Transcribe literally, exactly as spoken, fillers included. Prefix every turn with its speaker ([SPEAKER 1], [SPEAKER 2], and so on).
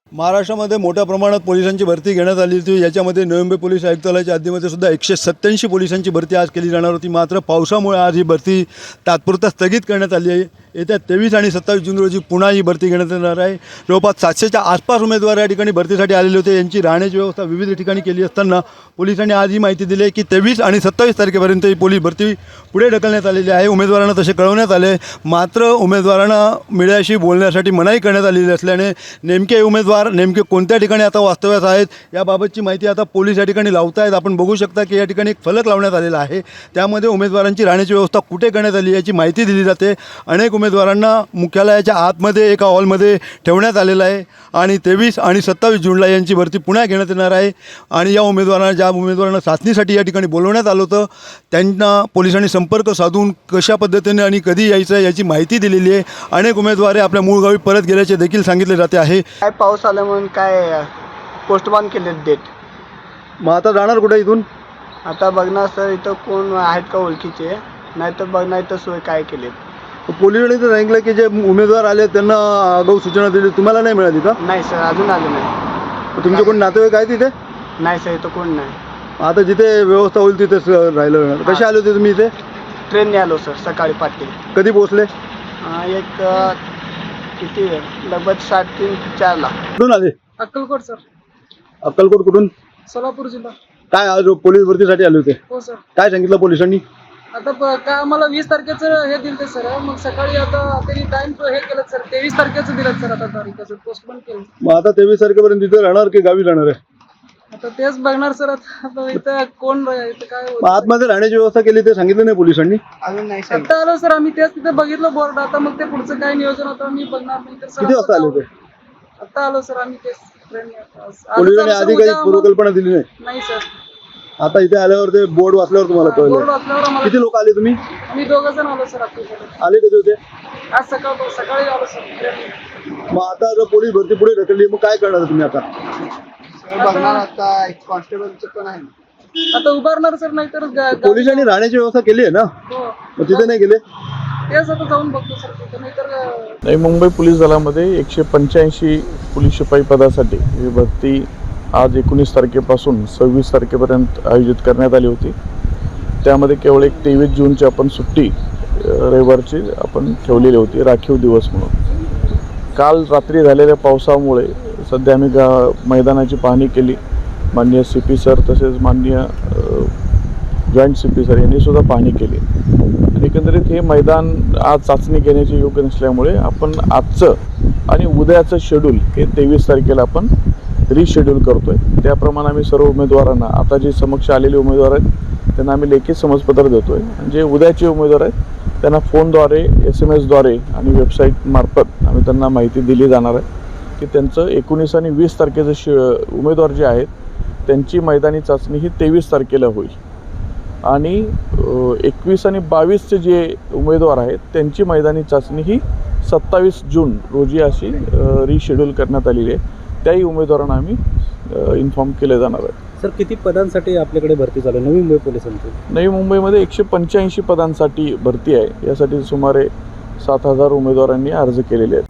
[SPEAKER 1] महाराष्ट्रामध्ये मोठ्या प्रमाणात पोलिसांची भरती घेण्यात आली होती। याच्यामध्ये नवी मुंबई पोलीस आयुक्तालयाच्या हद्दीमध्ये सुद्धा एकशे सत्त्याऐंशी पोलिसांची भरती आज केली जाणार होती। मात्र पावसामुळे आज ही भरती तात्पुरता स्थगित करण्यात आली आहे। येत्या तेवीस आणि सत्तावीस जून रोजी पुन्हा ही भरती घेण्यात येणार आहे। जवळपास सातशेच्या आसपास उमेदवार या ठिकाणी भरतीसाठी आलेले होते। यांची राहण्याची व्यवस्था विविध ठिकाणी केली असताना पोलिसांनी आज ही माहिती दिली आहे की तेवीस आणि सत्तावीस तारखेपर्यंत ही पोलीस भरती पुढे ढकलण्यात आलेली आहे। उमेदवारांना तसे कळवण्यात आले, मात्र उमेदवारांना मीडियाशी बोलण्यासाठी मनाई करण्यात आलेली असल्याने नेमके उमेदवार नेमके कोणत्या ठिकाणी आता वास्तव्यास आहेत याबाबतची माहिती आता पोलीस या ठिकाणी लावत आहेत। आपण बघू शकता की या ठिकाणी एक फलक लावण्यात आलेला आहे, त्यामध्ये उमेदवारांची राहण्याची व्यवस्था कुठे करण्यात आली याची माहिती दिली जाते। अनेक उमेदवारांना मुख्यालयाच्या आतमध्ये एका हॉलमध्ये ठेवण्यात आलेलं आहे आणि तेवीस आणि सत्तावीस जूनला यांची भरती पुन्हा घेण्यात येणार आहे। आणि या उमेदवारांना ज्या उमेदवारांना चाचणीसाठी या ठिकाणी बोलवण्यात आलं होतं त्यांना पोलिसांनी संपर्क साधून कशा पद्धतीने आणि कधी यायचं याची माहिती दिलेली आहे। अनेक उमेदवार आपल्या मूळ गावी परत गेल्याचे देखील सांगितले जाते आहे।
[SPEAKER 2] काय पाऊस आला म्हणून काय पोस्टपोन केले डेट।
[SPEAKER 1] मग आता जाणार कुठे इथून?
[SPEAKER 2] आता बघणार सर इथं कोण आहेत का ओळखीचे, नाही तर बघणार इथं सोय काय केली।
[SPEAKER 1] पोलिसांनी तर सांगितलं की जे उमेदवार आले त्यांना आगाऊ सूचना दिली, तुम्हाला नाही मिळाली का?
[SPEAKER 2] नाही सर, अजून आले नाही।
[SPEAKER 1] तुमचे कोण नातेवाईक आहे तिथे?
[SPEAKER 2] नाही सर, इथं कोण नाही।
[SPEAKER 1] आता जिथे व्यवस्था होईल तिथेच राहिलं। कसे आले होते तुम्ही इथे?
[SPEAKER 2] ट्रेनने आलो सर, सकाळी पाठी।
[SPEAKER 1] कधी पोहोचले?
[SPEAKER 2] एक किती लगभग साडेतीन चारला।
[SPEAKER 1] कुठून आले?
[SPEAKER 3] अक्कलकोट सर।
[SPEAKER 1] अक्कलकोट कुठून?
[SPEAKER 3] सोलापूर जिल्हा।
[SPEAKER 1] काय आज पोलीस भरतीसाठी आले होते?
[SPEAKER 3] हो सर।
[SPEAKER 1] काय सांगितलं पोलिसांनी?
[SPEAKER 3] आता काय आम्हाला वीस तारखेचं हे दिलं सर, मग सकाळी आता त्यांनी टाइम हे केलं सर, तेवीस तारखेचं दिलं सर। आता तारीख पोस्टपोन केलं।
[SPEAKER 1] मग आता तेवीस तारखेपर्यंत तिथे राहणार की गावी जाणार आहे?
[SPEAKER 3] आता तेच बघणार सर। आता इथं कोण इथं काय
[SPEAKER 1] मग आतमध्ये राहण्याची व्यवस्था केली ते सांगितलं नाही पोलिसांनी?
[SPEAKER 2] अजून नाही सर।
[SPEAKER 3] आता आलो सर आम्ही, तेच तिथे बघितलं बोर्ड। आता मग ते पुढचं काय नियोजन होतं मी बघणार नाही तर सर।
[SPEAKER 1] किती वाजता आले होते?
[SPEAKER 3] आता आलो सर आम्ही, तेच ट्रेनने।
[SPEAKER 1] पोलिसांनी आधी काही पूर्वकल्पना दिली नाही?
[SPEAKER 3] नाही सर।
[SPEAKER 1] आता इथे आल्यावर ते बोर्ड वाचल्यावर तुम्हाला
[SPEAKER 3] बोर्ड
[SPEAKER 1] कळलं?
[SPEAKER 3] वाचल्यावर आम्हाला।
[SPEAKER 1] किती लोक आले तुम्ही?
[SPEAKER 3] आम्ही दोघं जण आलो सर। आता
[SPEAKER 1] आले कधी होते?
[SPEAKER 3] आज सकाळ सकाळी आलो सर ट्रेनने।
[SPEAKER 1] मग आता जर पोलीस भरती पुढे ढकलली मग काय करणार तुम्ही आता?
[SPEAKER 2] बघणार आता एक कॉन्स्टेबलचं पण आहे,
[SPEAKER 3] आता उभारणार सर, नाही तर
[SPEAKER 1] पोलिसांनी राहण्याची व्यवस्था केली आहे ना, मग तिथे नाही गेले?
[SPEAKER 3] तेच आता जाऊन बघतो सर तिथे, नाही तर
[SPEAKER 4] नवी मुंबई पोलीस दलामध्ये एकशे पंच्याऐंशी पोलीस शिपाई पदासाठी ही भरती आज एकोणीस तारखेपासून सव्वीस तारखेपर्यंत आयोजित करण्यात आली होती। त्यामध्ये केवळ एक तेवीस जूनची आपण सुट्टी रविवारची आपण ठेवलेली होती, राखीव दिवस म्हणून। काल रात्री झालेल्या पावसामुळे सध्या आम्ही गा मैदानाची पाहणी केली। माननीय सी पी सर तसेच माननीय जॉईंट सी पी सर यांनी सुद्धा पाहणी केली। आणि एकंदरीत हे मैदान आज चाचणी घेण्याचे योग्य नसल्यामुळे आपण आजचं आणि उद्याचं शेड्यूल हे तेवीस तारखेला आपण रिशेड्यूल करतोय। त्याप्रमाणे आम्ही सर्व उमेदवारांना, आता जे समक्ष आलेले उमेदवार आहेत त्यांना आम्ही लेखी समजपत्र देतोय। जे उद्याचे उमेदवार आहेत त्यांना फोनद्वारे, एस एम एसद्वारे आणि वेबसाईट मार्फत आम्ही त्यांना माहिती दिली जाणार आहे की त्यांचं एकोणीस आणि वीस तारखेचं श उमेदवार जे आहेत त्यांची मैदानी चाचणी ही तेवीस तारखेला होईल। आणि एकवीस आणि बावीसचे जे उमेदवार आहेत त्यांची मैदानी चाचणी ही सत्तावीस जून रोजी अशी रिशेड्यूल करण्यात आलेली आहे। त्याही उमेदवारांना आम्ही इन्फॉर्म केले जाणार आहे।
[SPEAKER 5] सर, किती पदांसाठी आपल्याकडे भरती चालू आहे नवी मुंबई पोलिसांची?
[SPEAKER 4] नवी मुंबईमध्ये एकशे पंच्याऐंशी पदांसाठी भरती आहे। यासाठी सुमारे सात हजार उमेदवारांनी अर्ज केलेले आहेत।